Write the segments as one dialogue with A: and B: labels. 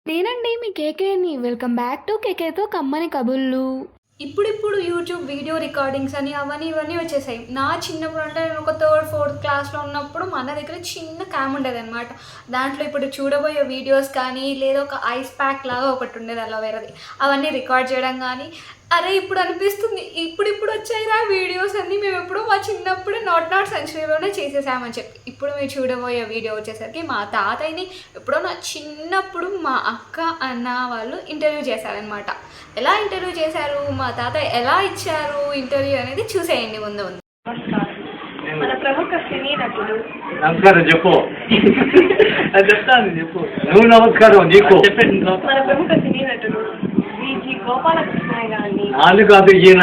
A: నేనండి మీ కేకేని. వెల్కమ్ బ్యాక్ టు కేకేతో కమ్మని కబుర్లు. ఇప్పుడిప్పుడు యూట్యూబ్ వీడియో రికార్డింగ్స్ అని అవన్నీ ఇవన్నీ వచ్చేసాయి. నా చిన్నప్పుడు అంటే నేను ఒక 3rd 4th క్లాస్లో ఉన్నప్పుడు మా అన్న దగ్గర చిన్న క్యామ్ ఉండేది అనమాట. దాంట్లో ఇప్పుడు చూడబోయే వీడియోస్ కానీ లేదా ఒక ఐస్ ప్యాక్ లాగా ఒకటి ఉండేది అలోవేరాది, అవన్నీ రికార్డ్ చేయడం కానీ అరే ఇప్పుడు అనిపిస్తుంది ఇప్పుడు వచ్చాయిరా వీడియోస్ అన్నీ మేము ఎప్పుడో మా చిన్నప్పుడే నాట్ సెంచరీలోనే చేసేసామని చెప్పి. ఇప్పుడు మీరు చూడబోయే వీడియో వచ్చేసరికి మా తాతయ్యని ఎప్పుడో నా చిన్నప్పుడు మా అక్క అన్న వాళ్ళు ఇంటర్వ్యూ చేశారనమాట. ఎలా ఇంటర్వ్యూ చేశారు, మా తాతయ్య ఎలా ఇచ్చారు ఇంటర్వ్యూ అనేది చూసేయండి ముందు.
B: మన ప్రముఖ సినీ నటుడు.
C: నమస్కారం చెప్పు. చెప్తాను చెప్పు. నువ్వు నమస్కారం నీకు చెప్పండి.
B: మన ప్రముఖ సినీ నటుడు విజి గోపాలకృష్ణయ్య గారిని
C: వాళ్ళు కాదు ఈయన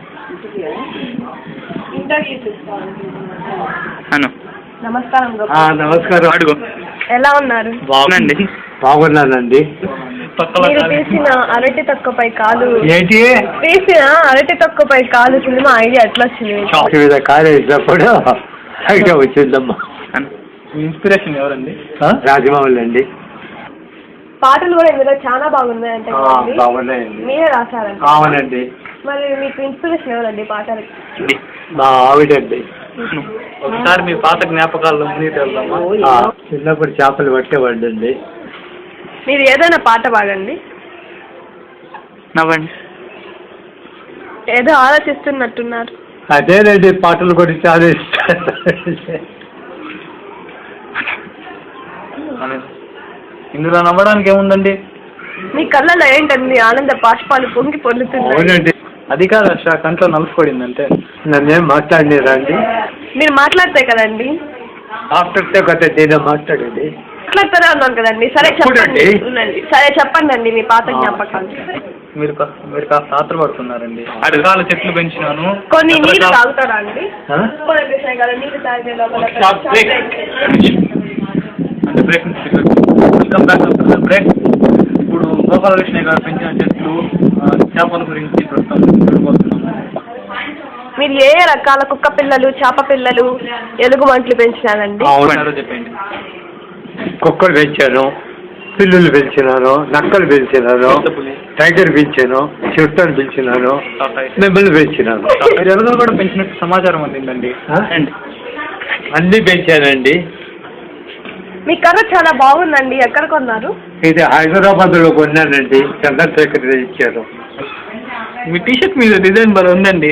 B: ఇంటర్వ్యూ చేసుకోవాలి.
D: నమస్కారం.
C: నమస్కారం. అడుగు.
D: ఎలా ఉన్నారు?
C: బాగుందండి. బాగున్నానండి.
D: మీరు తీసిన అరటి తొక్కపై కాలు
C: ఏంటి
D: తీసిన అరటి తొక్కపై కాలు సినిమా ఐడియా ఎట్లా వచ్చింది?
C: కాలేజీప్పుడు ఐడియా వచ్చిందమ్మా.
E: ఇన్స్పిరేషన్ ఎవరండి?
C: రాజమౌళి అండి.
D: పాటలు కూడా ఇందులో చాలా బాగున్నాయంటే
C: బాగున్నాయండి.
D: మీరే రాశారండి?
C: అవునండి.
D: మరి మీకు ఇన్స్పిరేషన్ ఎవరండి పాటలకి?
C: మా ఆవిడండి.
E: ఒకసారి మీ పాత జ్ఞాపకాల్లో మునిగి వెళ్దామా?
C: చిన్నప్పుడు చేపలు పట్టేవాడండి.
D: మీరు ఏదైనా పాట పాడండి.
E: నవ్వండి.
D: ఏదో ఆలోచిస్తున్నట్టున్నారు.
C: అదేనండి, పాటలు కూడా చాలా ఇష్టం.
E: ఇందులో నవ్వడానికి ఏముందండి?
D: మీ కళ్ళలో ఏంటండి ఆనంద బాష్పాలు పొంగి పొందుతున్నాయి?
C: అవునండి.
E: అది కాదు అర్ష, కంట్లో నలుసుపడింది అంటే.
C: నన్నేం మాట్లాడినారా అండి?
D: మీరు మాట్లాడితే కదండి.
C: ఆఫ్టర్తో కదా నేను మాట్లాడేది.
D: మాట్లాడుతూనే ఉన్నాను కదండి. సరే చెప్పండి. సరే చెప్పండి అండి మీ పాత జ్ఞాపకాలు.
E: మీరు కాస్త ఆత్రపడుతున్నారండి. అడగాల చెట్లు పెంచినాను.
D: కొన్ని నీళ్ళు తాగుతారా అండి? నీళ్ళు తాగే
E: అంటే బ్రేక్ బ్రేక్. ఇప్పుడు గోపాలకృష్ణ గారు పెంచిన చెట్లు, చేపల గురించి ప్రస్తుతం.
D: మీరు ఏ రకాల కుక్క పిల్లలు, చేప పిల్లలు, ఎలుగుబంట్లు పెంచినారండి?
C: అవునారో
E: చెప్పండి.
C: కుక్కలు పెంచాను, పిల్లులు పెంచినాను, నక్కలు పెంచినాను, టైగర్ పెంచాను, చిరుతను పెంచినాను, నెమ్మలు పెంచినాను.
E: ఎలుగులు కూడా పెంచినట్టు సమాచారం అందిందండి.
C: అన్నీ పెంచానండి.
D: మీ కర్ర చాలా బాగుందండి. ఎక్కడ కొన్నారు?
C: ఇది హైదరాబాద్లో కొన్నానండి. చంద్రశేఖర్ ఇచ్చారు.
E: మీ టీషర్ట్ మీద డిజైన్ బాగా ఉందండి.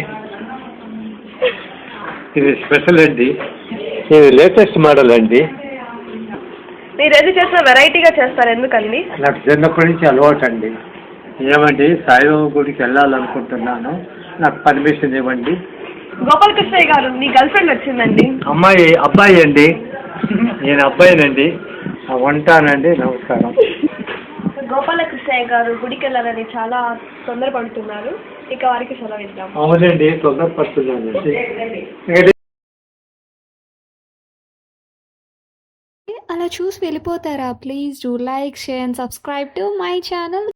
C: ఇది స్పెషల్ అండి. ఇది లేటెస్ట్ మోడల్ అండి.
D: మీరు ఏది చేసినా వెరైటీగా చేస్తారు, ఎందుకండి?
C: నాకు చిన్నప్పటి నుంచి అలవాటు అండి. ఏమండి, సాయిబాబా గుడికి వెళ్ళాలనుకుంటున్నాను, నాకు పర్మిషన్ ఇవ్వండి.
D: గోపాలకృష్ణయ్య గారు, మీ గర్ల్ ఫ్రెండ్ వచ్చిందండి.
C: అబ్బాయి అండి. నేను అబ్బాయినండి. ఉంటానండి. నమస్కారం.
D: గోపాలకృష్ణయ్య గారు గుడికి వెళ్ళాలని చాలా తొందరపడుతున్నారు. ఇక వారికి సెలవు ఇద్దాం.
C: అవునండి, తొందరపడుతున్నానండి.
A: అలా చూసి వెళ్ళిపోతారా? Please do like, share and subscribe to my channel.